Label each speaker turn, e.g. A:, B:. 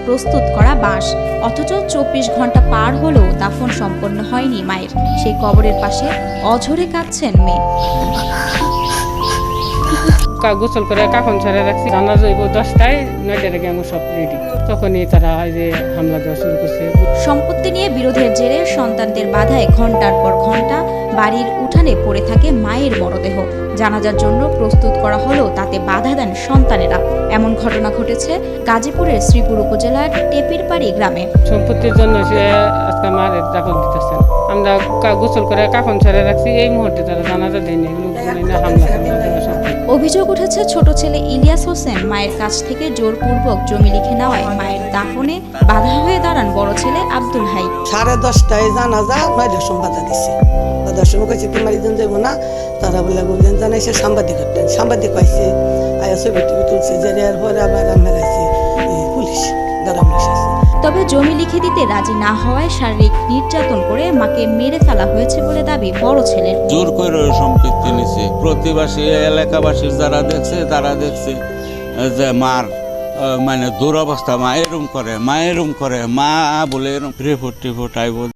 A: প্রস্তুত করা বাঁশ। অথচ 24 ঘন্টা পার হলেও দাফন সম্পন্ন হয়নি মায়ের। সেই কবরের পাশে অঝরে কাঁদছেন মেয়ে।
B: গোসল করে কাফন ছাড়া রাখছি, জানাজা হইব 10টায়, 9টার আগে আমার সব রেডি। তখনই তারা যে হামলা দেওয়া শুরু করছে।
A: সম্পত্তি নিয়ে বিরোধের জেরে সন্তানদের বাধায় ঘন্টার পর ঘন্টা বাড়ির উঠানে পড়ে থাকে মায়ের মরদেহ। জানাজার জন্য প্রস্তুত করা হলেও তাতে বাধা দেন সন্তানেরা। এমন ঘটনা ঘটেছে গাজীপুরের শ্রীপুর উপজেলার টেপিরপাড়ি গ্রামে।
B: সম্পত্তির জন্য সে আজকে মায়ের দাফন দিতেছেন। আমরা গোসল করে কাফন ছাড়া রাখছি, এই মুহূর্তে তারা জানাজা দেয়নি, হামলা দেওয়া সব।
A: অভিযোগ উঠেছে ছোট ছেলে ইলিয়াস হোসেন মায়ের কাছ থেকে জোরপূর্বক জমি লিখে নেওয়ায় মায়ের দাফনে বাধা হয়ে দাঁড়ান বড় ছেলে আব্দুল হাই।
C: 10:30 জানাজা, 9টার সময় বাধা দিছে। বাধার সময় কইছে তোমার ইজন যাবো না, তারা বলে বললেন জানাইছে সাংবাদিক হতেন। সাংবাদিক কইছে আয়া ছবি টবি তুলছে, যে এর পরে আবার আমরা আইছি পুলিশ দাঁড়ানো এসেছে।
A: তবে জমি লিখে দিতে রাজি না হওয়ায় শারীরিক নির্যাতন করে মাকে মেরে ফেলা হয়েছে বলে দাবি বড় ছেলের।
D: জোর করে সম্পত্তি নিছে। প্রতিবাসী এলাকাবাসী যারা দেখছে তারা দেখছে যে মার মানে দুরবস্থা, মা এরম করে মা বলে এরম রিপোর্ট আইব।